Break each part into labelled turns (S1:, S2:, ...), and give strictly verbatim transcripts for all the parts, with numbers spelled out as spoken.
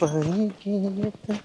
S1: पाणी पित.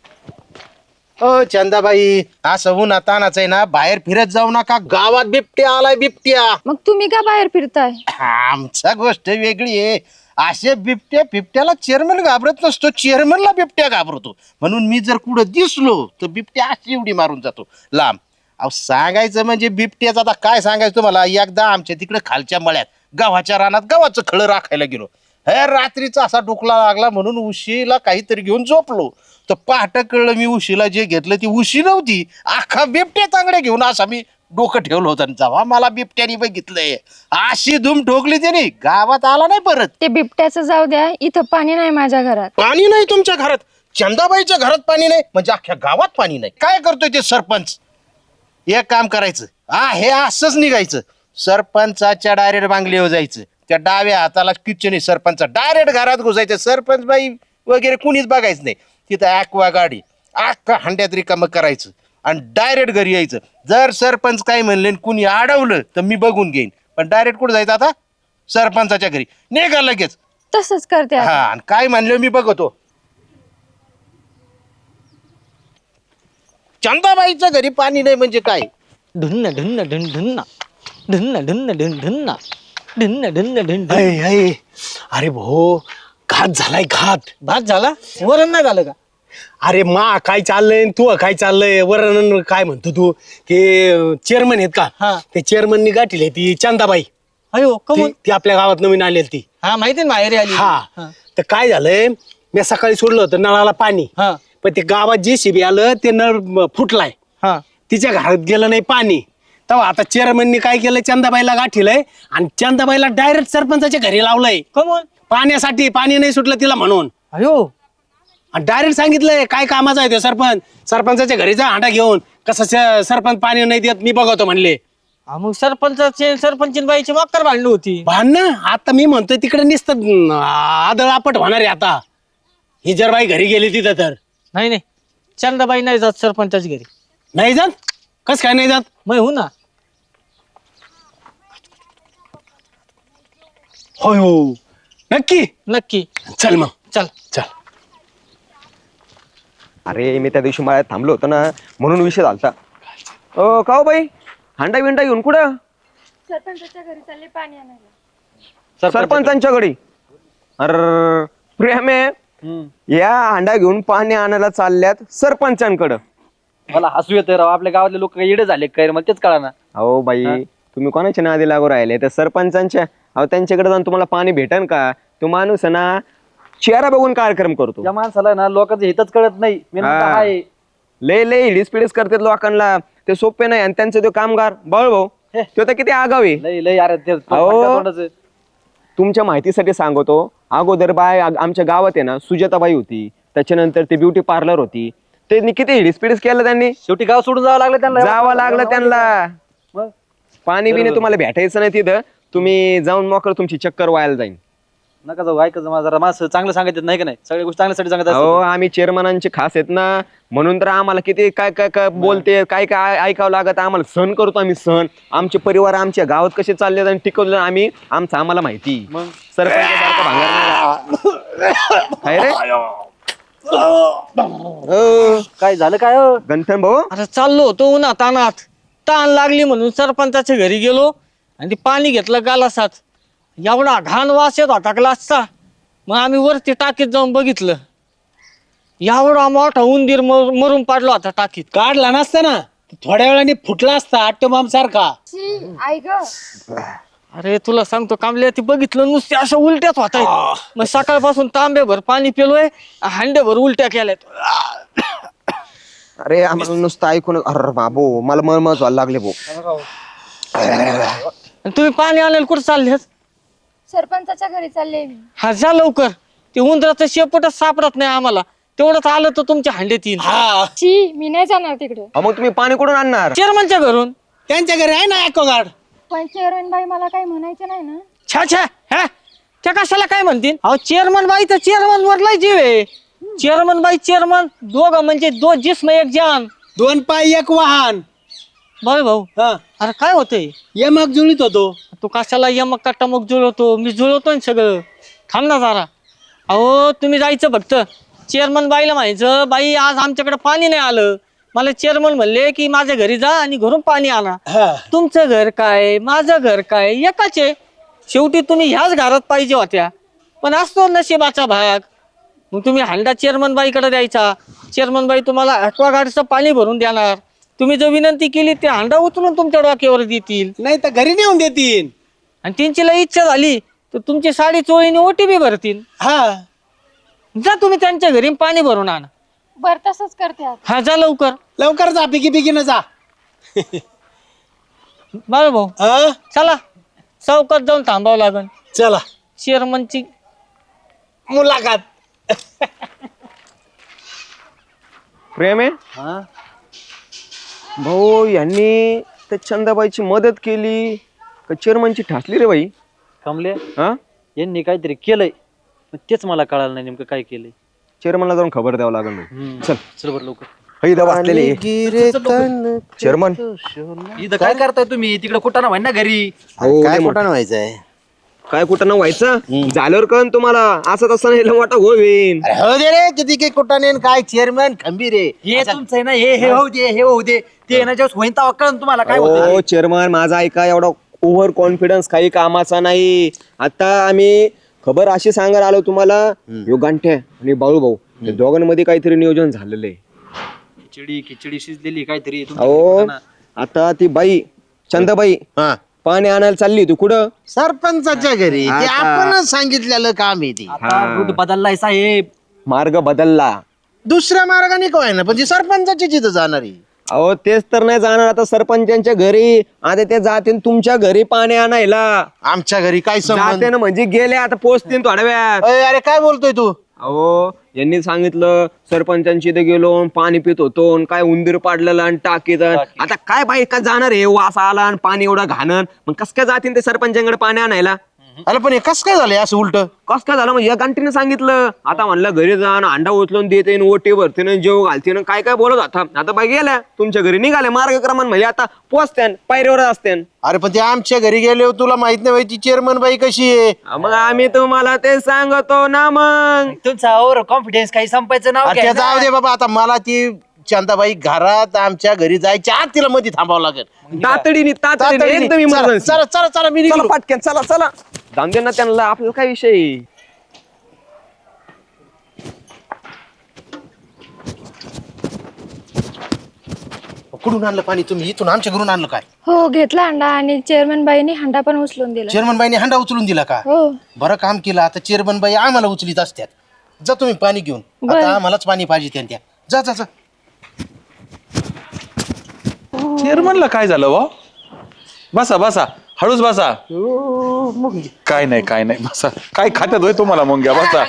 S1: ओ चंदाबाई, असं उन्हा तानाच आहे ना, बाहेर फिरत जाऊ नका. गावात बिबट्या आलाय, बिबट्या.
S2: मग तुम्ही का बाहेर फिरताय?
S1: आमचा गोष्ट वेगळी आहे. असे बिबट्या बिबट्याला चेअरमन घाबरत नसतो, चेअरमनला बिबट्या घाबरतो. म्हणून मी जर कुठं दिसलो तर बिबट्या अशी उडी मारून जातो लांब. अहो सांगायचं म्हणजे बिबट्याचं आता काय सांगायचं तुम्हाला. एकदा आमच्या तिकडे खालच्या मळ्यात गव्हाच्या रानात गव्हाचं खळं राखायला गेलो. हे रात्रीचा असा डोकला लागला म्हणून उशीला काहीतरी घेऊन झोपलो. तर पहाट कळलं मी उशीला जे घेतलं ती उशी नव्हती, अख्खा बिबट्या तांगड्या घेऊन असा मी डोकं ठेवलं होतं. आणि जेव्हा मला बिबट्याने बघितलंय अशी धूम ठोकली त्याने, गावात आला नाही परत.
S2: ते बिबट्याचं जाऊ द्या, इथं पाणी नाही माझ्या घरात.
S1: पाणी नाही तुमच्या घरात? चंदाबाईच्या घरात पाणी नाही म्हणजे अख्ख्या गावात पाणी नाही? काय करतोय ते सरपंच? एक काम करायचं, हा हे असंच निघायचं, सरपंचाच्या डायरेक्ट बांगलीवर जायचं, त्या डाव्या हाताला किचन सरपंच, डायरेक्ट घरात घुसायचं. सरपंच बाई वगैरे कुणीच बघायचं नाही. तिथं ॲक्वा गाडी अख्खा हंड्यात रिकामं करायचं आणि डायरेक्ट घरी यायचं. जर सरपंच काय म्हणले कुणी अडवलं तर मी बघून घेईन, पण डायरेक्ट कुठं जायचं आता? सरपंचाच्या घरी निघा लगेच.
S2: तसंच करते आता.
S1: हा, आणि काय म्हणलं मी बघतो. चंदाबाईच्या घरी पाणी नाही म्हणजे काय?
S3: ढुन्न ढुन्न ढुन ढुन्ना ढुन्न ढुन्न ढुन ढुन्ना ढुन्न ढुन्न ढुन ढुन.
S4: अय, अय. अरे भाऊ, घात झालाय घात.
S3: भात झाला? वरण नाही झालं का?
S4: अरे मा काय चाललंय तू काय चाललंय? वरण काय म्हणतो तू? ते चेअरमन आहेत
S3: हा.
S4: का? ते चेअरमननी गाठील ती चंदाबाई.
S3: अयो
S4: ती
S3: कमून?
S4: ती आपल्या गावात नवीन आलेली ती.
S3: हा माहिती ना, माहेरी आली.
S4: हा, तर काय झालंय, मी सकाळी सोडलं होतं नळाला पाणी,
S3: हा
S4: पण ते गावात जे शिबी आलं ते नळ म, फुटलाय.
S3: हा.
S4: तिच्या घरात गेलं नाही पाणी. तेव्हा आता चेअरमननी काय केलं, चंदाबाईला गाठीलंय आणि चंदाबाईला डायरेक्ट सरपंचाच्या घरी लावलंय
S3: कमून?
S4: पाण्यासाठी. पाणी नाही सुटलं तिला म्हणून.
S3: अयो
S4: डायरेक्ट सांगितलंय काय कामाचा आहे तो सरपंच. सरपंचाच्या घरीचा हांडा घेऊन कसं स- सरपंच पाणी नाही देत मी बघतो म्हणले.
S3: हा, मग सरपंचाचे सरपंचीन बाईची वाक्कर भांडण होती.
S4: भांडणं आता मी म्हणतोय तिकडे नुसतं आदळ आपट होणार आहे आता. ही जर बाई घरी गेली तिथं तर.
S3: नाही नाही, चंदाबाई नाही जात सरपंचाच्या घरी.
S4: नाही जात? कस काय नाही जात?
S3: मग हो ना.
S4: होय हो, नक्की.
S3: नक्की.
S4: चल मग
S3: चल.
S4: चल.
S5: अरे मी त्या दिवशी मला थांबलो होतो ना, म्हणून विषय झालता. ओ का हो बाई, हांडा बिंडा घेऊन कुठं?
S2: सरपंचाच्या घरी चालले पाणी आणायला.
S5: सरपंचांच्या घरी? अरे प्रेम आहे, या हांडा घेऊन पाणी आणायला चालल्यात सरपंचांकडं.
S6: मला हसू येतं राव, आपल्या गावातले लोक येडे झाले काय रे, मला तेच कळा ना.
S5: अहो बाई, तुम्ही कोणाच्या नादी लागू राहिले? तर सरपंचांच्या. अहो त्यांच्याकडे जाऊन तुम्हाला पाणी भेटन का? तो माणूस आहे ना, चेहरा बघून कार्यक्रम करतो.
S6: या माणसाला ना लोकांचं हितच कळत नाही. मी म्हणतो
S5: हा.
S6: हाय.
S5: लय लय हिडीस पिडीस करतात लोकांना, ते सोपे नाही. आणि त्यांचा तो कामगार बाळ भाऊ, तो तर किती आगाव आहे.
S6: लय लय अरे ते
S5: अहो.
S6: तोंडाचं.
S5: तुमच्या माहितीसाठी सांगतो, अगोदर बाय आग- आमच्या गावात आहे ना सुजाताबाई होती, त्याच्यानंतर ते ब्युटी पार्लर होती. त्यांनी किती हिडीस पिडीस केलं त्यांनी.
S6: शेवटी गाव सोडून जावं लागलं त्यांना.
S5: जावं लागलं त्यांना.
S6: मग
S5: पाणी बिणी
S6: बरोबर.
S5: तुम्हाला भेटायचं नाही तिथं. तुम्ही जाऊन मोकळ, तुमची चक्कर व्हायला जाईल.
S6: नका जाऊ, ऐकायचं मला जरा. माणसं चांगलं सांगत नाही का नाही, सगळ्या गोष्टी चांगल्यासाठी सांगत
S5: अहो
S6: असतात.
S5: आम्ही चेअरमनांचे खास आहेत ना, म्हणून तर आम्हाला किती काय काय काय बोलते, काय काय ऐकावं लागत. आम्हाला सहन करतो आम्ही सहन. आमचे परिवार आमच्या गावात कसे चालले आणि टिकवले आम्ही, आमचं आम्हाला माहिती.
S6: मग
S5: सरपंचासारखं भांगार नाही. काय रे? अहो,
S6: काय झालं काय हो?
S5: गंठन भाऊ,
S3: आता चाललो होतो उन्हात तानात, ताण लागली म्हणून सरपंचाच्या घरी गेलो आणि ते पाणी घेतलं गालासात. एवढा घाण वास येत होता ग्लासचा. मग आम्ही वरती टाकीत जाऊन बघितलं, एवढा मोठा उंदीर मर- मरून पडला होता टाकीत.
S4: काढला नसता ना, थोड्या वेळाने फुटला असता आटोबाम सारखा.
S2: शी, आई ग.
S3: अरे तुला सांगतो कामल्या, ती बघितलं नुसते अशा उलट्यात होताय. मग सकाळपासून तांब्याभर पाणी पिलोय, हांड्याभर उलट्या केल्यात.
S5: अरे आम्हाला नुसतं ऐकून, अरे बाबू मला मळमळ व्हायला लागले भाऊ.
S3: आणि तुम्ही पाणी आणायला कुठं चाललेत?
S2: सरपंचाच्या घरी चालले मी.
S3: हा जा लवकर, ते उंदराचं शेपटच सापडत नाही आम्हाला. तेवढंच आलं तर तुमच्या हांड्यात येईल.
S4: हा,
S2: शी, मी नाही जाणार तिकडे.
S5: अहो, मग तुम्ही पाणी कुठून आणणार?
S3: चेअरमनच्या घरून.
S4: त्यांच्या घरी आहे ना ॲक्वागार्ड.
S2: पण चेअरमन बाई मला काही म्हणायचं नाही ना.
S3: छा छा, हा त्या कशाला काय म्हणतील? अहो चेअरमन बाई तर चेअरमन वर लय जीव आहे. चेअरमन बाई चेअरमन दोघं म्हणजे दो जिस्म एक जान.
S4: दोन पाय एक वाहन.
S3: बाय भाऊ,
S4: हा,
S3: अरे काय होतंय?
S4: यमक जुळीत होतो.
S3: तू कशाला यमक का टमक जुळवतो? मी जुळवतो ना सगळं. थांब ना जरा. अहो तुम्ही जायचं फक्त चेअरमन बाईला म्हणायचं बाई आज आमच्याकडे पाणी नाही आलं. मला चेअरमन म्हणले की माझ्या घरी जा आणि घरून पाणी आणा.
S4: हा.
S3: तुमचं घर काय माझं घर काय एकाच आहे. शेवटी तुम्ही ह्याच घरात पाहिजे होत्या. पण असतो नशिबाचा भाग. मग तुम्ही हांडा चेअरमन बाईकडे द्यायचा. चेअरमन बाई तुम्हाला ॲक्वागार्डचं पाणी भरून देणार. तुम्ही जो विनंती केली ते हांडा उचलून तुमच्या डोक्यावर देतील.
S4: नाही तर घरी नेऊन देतील.
S3: आणि त्यांची लई इच्छा झाली तर तुमची साडी चोळीने ओटी बी भरतील.
S4: हा.
S3: जा तुम्ही त्यांच्या घरी पाणी भरून आणा.
S2: बर तसंच करते आता.
S3: हा जा लवकर.
S4: लवकर जा पिकी पिकी न जा.
S3: बाळ भाऊ
S4: हा?
S3: चला चौकात जाऊन थांबावं लागल.
S4: चला
S3: चेअरमनची
S4: मुलाखत.
S5: प्रेम आहे
S6: हा
S5: भाऊ यांनी त्या चंदाबाईची मदत केली का चेअरमनची ठासली रे बाई?
S6: कमले
S5: हा
S6: यांनी काहीतरी केलंय पण तेच मला कळालं नाही नेमकं काय केलंय.
S5: चेअरमनला जाऊन खबर द्यावं लागेल भाऊ.
S6: हम्म.
S5: चल
S6: चल बरं लवकर.
S5: इथं बसलेले चेअरमन.
S6: इथं काय करताय तुम्ही? तिकडे कुठं ना म्हण ना घरी.
S5: हो
S1: काय
S5: लय
S1: कुठं व्हायचंय?
S5: काय कुठं ना व्हायचं झाल्यावर कळण तुम्हाला. असं तसं नाही लय मोठा होईन.
S1: अरे हो दे रे किती काही कुटाने काय चेअरमन खंबीर रे.
S6: हे तुमचं आहे ना हे हे होऊ दे हे होऊ दे ते ना जेव्हा होईन तेव्हा कळण तुम्हाला काय होतं.
S5: हो चेअरमन माझा ऐका एवढा ओव्हर कॉन्फिडन्स काही कामाचा नाही. आता आम्ही खबर अशी सांगायला आलो तुम्हाला. यो गांठ्या आणि बाळू भाऊ या दोघांमध्ये काहीतरी नियोजन झालेलं आहे.
S6: खिचडी खिचडी शिजलेली काहीतरी तुमच्या
S5: अहो
S6: घरी ना.
S5: आता ती बाई चंदाबाई
S1: हा
S5: पाणी आणायला चालली तू कुठं?
S1: सरपंचाच्या घरी ते
S5: आता-
S1: आपणच सांगितलेलं काम आहे ते.
S6: आता रूट बदललाय साहेब.
S5: मार्ग बदलला.
S1: दुसऱ्या मार्गाने काय ना पण ती सरपंचाची जिथं जाणार आहे.
S5: अहो तेच तर नाही जाणार आता सरपंचांच्या घरी. आता ते जाते तुमच्या घरी पाणी आणायला.
S1: आमच्या घरी काय संबंध?
S5: जाते ना म्हणजे गेले आता पोचतील थोड्या वेळात.
S1: अय, अरे काय बोलतोय तू?
S5: अहो यांनी सांगितलं सरपंचांची इथे गेलो अन पाणी पित होतो अन काय उंदीर पाडलेलं आणि टाकीत. आता काय बाई काय जाणार आहे वास आला आणि पाणी एवढं घाणन मग कस काय जातील ते सरपंचांकडे पाणी आणायला?
S1: अरे पण हे कस काय झालंय असं उलट?
S5: कस काय झालं म्हणजे या गांठीने सांगितलं. आता म्हणलं घरी जाण अंडा उचलून देते ओटी भरते जेव घालते काय काय बोलत होता. आता बाई गेल्या तुमच्या घरी निघाले मार्गक्रमण म्हणजे आता पोचत्यान पायरीवर असत्यान.
S1: अरे पण ते आमच्या घरी गेले तुला माहित नाही बाई ती चेअरमन बाई कशी आहे.
S5: मग आम्ही तुम्हाला ते सांगतो ना मग.
S6: तुमचा ओव्हर कॉन्फिडन्स काही संपायचं नाव
S1: अरे
S6: घ्या
S1: ते जाऊ दे बाबा आता मला ती चंदाबाई घरात आमच्या घरी जायच्या आत तिला मध्ये थांबावं लागेल.
S5: तातडीने तातडीने
S1: तातडीने.
S5: एकदम
S1: चला
S5: emergency.
S1: चला चला चला मी
S5: चला
S1: निघालो.
S5: पाटक्यान चला चला जाऊन दे ना त्यांना आपल्याला काय विषय.
S1: कुठून आणलं पाणी तुम्ही? इथून आमच्या घरून आणलं काय?
S2: हो घेतला अंडा आणि चेअरमन बाईने हंडा पण उचलून दिला.
S1: चेअरमन बाईने हंडा उचलून दिला का?
S2: हो
S1: बरं काम केलं. आता चेअरमन बाई आम्हाला उचलीत असत्यात. जा तुम्ही पाणी घेऊन.
S2: बरं.
S1: आता आम्हालाच पाणी पाहिजे त्यांच्या. जा जा जा.
S7: चेअरमनला काय झालं वा? बसा बसा हळूच बसा. काय नाही काय नाही बसा. काय खात्यात होय तुम्हाला मुंग्या? बसा.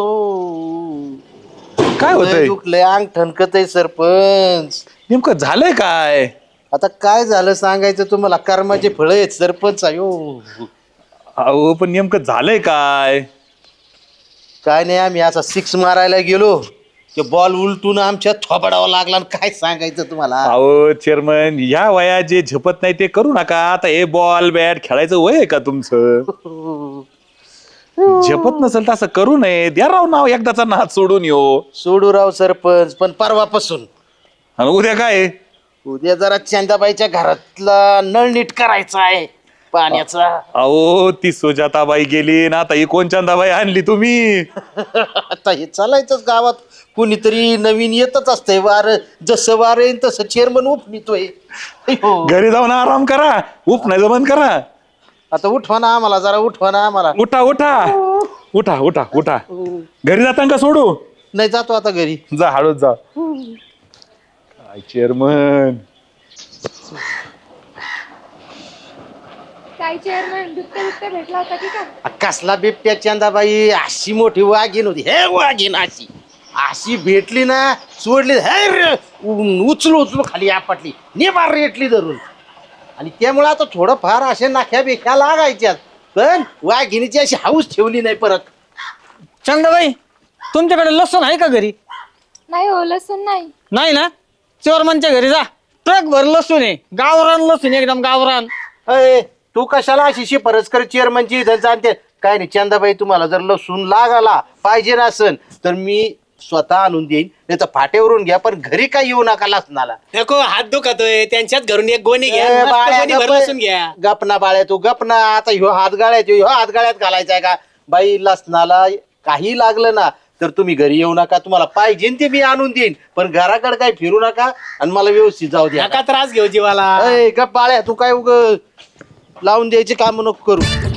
S7: काय होतंय?
S1: दुखलंय अंग ठणकत आहे सरपंच.
S7: नेमकं झालंय काय?
S1: आता काय झालं सांगायचं तुम्हाला? कर्माचे फळ आहेत सरपंच. अयो
S7: अहो पण नेमकं झालंय काय?
S1: काय नाही आम्ही असा सिक्स मारायला गेलो ते बॉल उलटून आमच्या थोबडावा लागला आणि काय सांगायचं तुम्हाला.
S7: अहो चेअरमन या वया जे झेपत नाही ते करू नका. आता हे बॉल बॅट खेळायचं वय आहे का तुमचं? झेपत नसेल तर असं करू नये. द्या राव नाव एकदाचा नाच सोडून येऊ.
S1: सोडू राव सरपंच पण परवापासून.
S7: आणि उद्या काय?
S1: उद्या जरा चंदाबाईच्या घरातला नळ नीट करायचा आहे पाण्याचा.
S7: अहो ती सुजाताबाई गेली ना आता ही कोण चंदाबाई आणली तुम्ही?
S1: आता हे चालायचंच गावात. कुणीतरी नवीन येतच असतंय. वार जसं वार येईल तसं चेअरमन उपनितोय. अयो.
S7: घरी जाऊन आराम करा. उप नाही बंद करा.
S1: आता उठवा ना आम्हाला जरा उठवा ना आम्हाला.
S7: उठा उठा उठा उठा उठा. घरी जाताना का सोडू?
S1: नाही जातो आता घरी.
S7: जा हळूच जा. काय चेअरमन
S2: काय चेअरमन बिबट्या बिबट्या भेटला होता की काय?
S1: कसला बिबट्या चंदाबाई? अशी मोठी वाघीण होती. हे वाघीण अशी अशी भेटली ना सोडली हे रे, उ- उचलू उचलू खाली आपटली निबार रेटली धरून. आणि त्यामुळे आता थोडंफार असे नाख्या बेख्या लागायच्यात पण वाघिणीची अशी हाऊस ठेवली नाही परत.
S3: चंदाबाई तुमच्याकडे लसूण आहे का घरी?
S2: नाही हो लसूण नाही.
S3: नाही ना? चोरमनच्या घरी जा. ट्रक भर लसूण आहे. गावरान लसूण एकदम गावरान.
S1: अय तू कशाला अशी शिफारस कर चेअरमनची इथं जाणते काय नाही. चंदाबाई तुम्हाला जर लसूण लागाला पाहिजे नसन तर मी स्वतः आणून देईन नाही तर फाट्यावरून घ्या पण घरी काय येऊ नका लसणाला.
S4: नको हात दुखतोय त्यांच्यात घरून एक गोणी घ्या
S1: ए,
S4: मस्त
S1: बाळ्या,
S4: गोणी भर
S1: गप-
S4: लसूण घ्या.
S1: गपना बाळ्या तू गपना. आता ह्यो हात गाळ्यात ह्यो हात गाळ्यात घालायचाय का बाई? लसणाला काही लागलं ना तर तुम्ही घरी येऊ नका. तुम्हाला पाहिजे ते मी आणून देईन पण घराकडे काय फिरू नका आणि मला व्यवस्थित जाऊ द्या.
S4: नका त्रास घेऊ जीवाला.
S1: अय, गप बाळ्या तू काय उग लावून द्यायचे काम नको करू.